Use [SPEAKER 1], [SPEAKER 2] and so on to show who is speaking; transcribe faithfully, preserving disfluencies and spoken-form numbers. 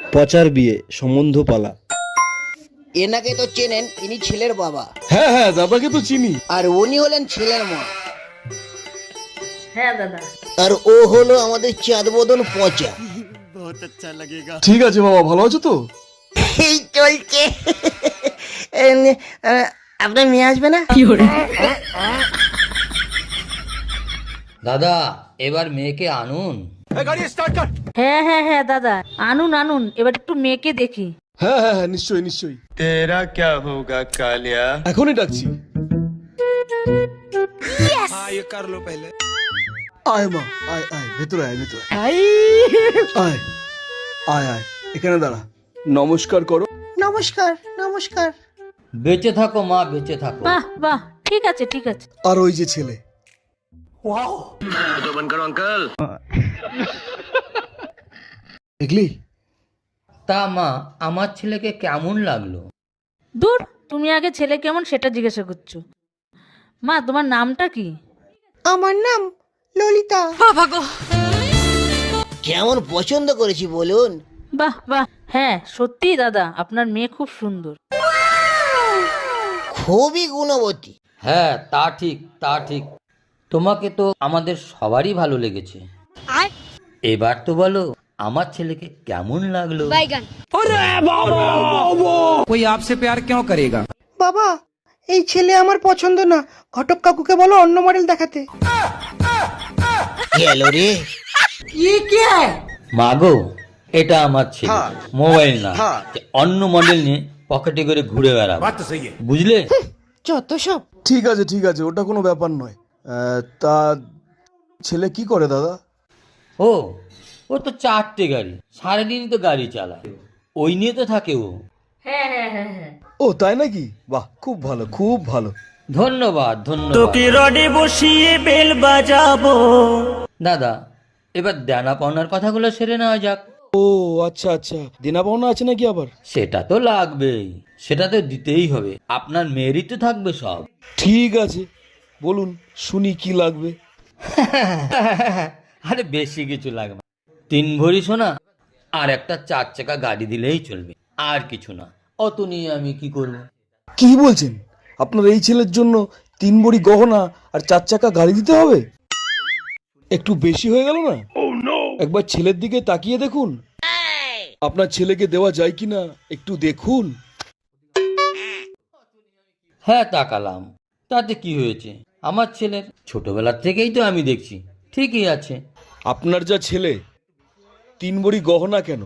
[SPEAKER 1] পচার বিয়ে সম্বন্ধ পালা।
[SPEAKER 2] এনাকে তো চেনেন, ইনি ছেলের বাবা
[SPEAKER 3] হ্যাঁ হ্যাঁ দাদাকে তো চিনি।
[SPEAKER 2] আর উনি হলেন ছেলের মা।
[SPEAKER 4] হ্যাঁ দাদা।
[SPEAKER 2] আর ও হলো আমাদের চাঁদ বদন পচা।
[SPEAKER 3] ঠিক আছে বাবা, ভালো আছো তো?
[SPEAKER 2] এই চলছে। আপনার মেয়ে আসবে না?
[SPEAKER 5] দাদা এবার মেয়েকে আনুন।
[SPEAKER 4] হ্যাঁ হ্যাঁ হ্যাঁ দাদা, আনুন আনুন, এবার একটু মেয়েকে দেখি।
[SPEAKER 3] হ্যাঁ হ্যাঁ হ্যাঁ নিশ্চয়ই নিশ্চয়ই।
[SPEAKER 6] तेरा क्या होगा कालिया।
[SPEAKER 3] এখনই ডাকছি। আয় মা, আয় আয় ভেতরে আয়, ভেতরে আয়। আয় আয় আয়, এখানে দাঁড়া, নমস্কার করো।
[SPEAKER 2] নমস্কার নমস্কার।
[SPEAKER 5] বেঁচে থাকো মা, বেঁচে থাকো।
[SPEAKER 4] বাহ বাহ, ঠিক আছে ঠিক আছে।
[SPEAKER 3] আর ওই যে ছেলে, দেখলি?
[SPEAKER 5] তা মা, আমার ছেলেকে কেমন লাগলো?
[SPEAKER 4] দূর, তুমি আগে ছেলে কেমন সেটা জিজ্ঞাসা করছো। মা, তোমার নামটা কি?
[SPEAKER 2] আমার নাম ললিতা। কেমন পছন্দ করেছি বলুন?
[SPEAKER 4] বাহ বাহ, হ্যাঁ সত্যি দাদা, আপনার মেয়ে খুব সুন্দর।
[SPEAKER 2] খুবই গুণবতী।
[SPEAKER 5] হ্যাঁ তা ঠিক, তা ঠিক। তোমাকে তো আমাদের সবারই ভালো লেগেছে। এবার তো বলো আমার ছেলেকে কেমন লাগলো।
[SPEAKER 7] कोई आपसे प्यार क्यों करेगा।
[SPEAKER 2] বাবা, এই ছেলে আমার পছন্দ না, ঘটক কাকুকে বলো অন্য মডেল দেখাতে। গেল রে।
[SPEAKER 5] মাগো, এটা আমার ছেলে, মোবাইল না যে অন্য মডেল নিয়ে পকেটে করে ঘুরে বেড়াবো, বুঝলে?
[SPEAKER 2] যত সব।
[SPEAKER 3] ঠিক আছে ঠিক আছে, ওটা কোনো ব্যাপার নয়। আহ, তা ছেলে কি করে দাদা?
[SPEAKER 5] ও ও তো চারটে গাড়ি, সারাদিনই তো গাড়ি চালায়, ওই নিয়ে তো থাকে ও।
[SPEAKER 4] হ্যাঁ হ্যাঁ হ্যাঁ হ্যাঁ।
[SPEAKER 3] ও তাই নাকি? বাহ, খুব ভালো খুব ভালো।
[SPEAKER 5] ধন্যবাদ ধন্যবাদ।
[SPEAKER 7] রডে বসিয়ে বেল বাজাবো।
[SPEAKER 5] দাদা এবার দেনা পাওনার কথাগুলো সেরে নেওয়া যাক।
[SPEAKER 3] ও আচ্ছা আচ্ছা, দেনা পাওনা আছে নাকি আবার?
[SPEAKER 5] সেটা তো লাগবেই, সেটা তো দিতেই হবে, আপনার মেয়েরই তো থাকবে সব।
[SPEAKER 3] ঠিক আছে, বলুন শুনি কি লাগবে।
[SPEAKER 5] আরে বেশি কিছু লাগবে না। তিন ভরি সোনা আর একটা চার চাকা গাড়ি দিলেই চলবে, আর কিছু না। অত নিয়ে আমি কি করব?
[SPEAKER 3] কি বলছেন? আপনার এই ছেলের জন্য তিন ভরি গহনা আর চার চাকা গাড়ি দিতে হবে? একটু বেশি হয়ে গেল না? একবার ছেলের দিকে তাকিয়ে দেখুন, আপনার ছেলেকে দেওয়া যায় কিনা একটু দেখুন।
[SPEAKER 5] হ্যাঁ তাকালাম, তাতে কি হয়েছে? আমার ছেলের ছোটবেলার থেকেই তো আমি দেখছি ঠিকই আছে।
[SPEAKER 3] আপনার যা ছেলে, তিন ভরি গহনা কেন,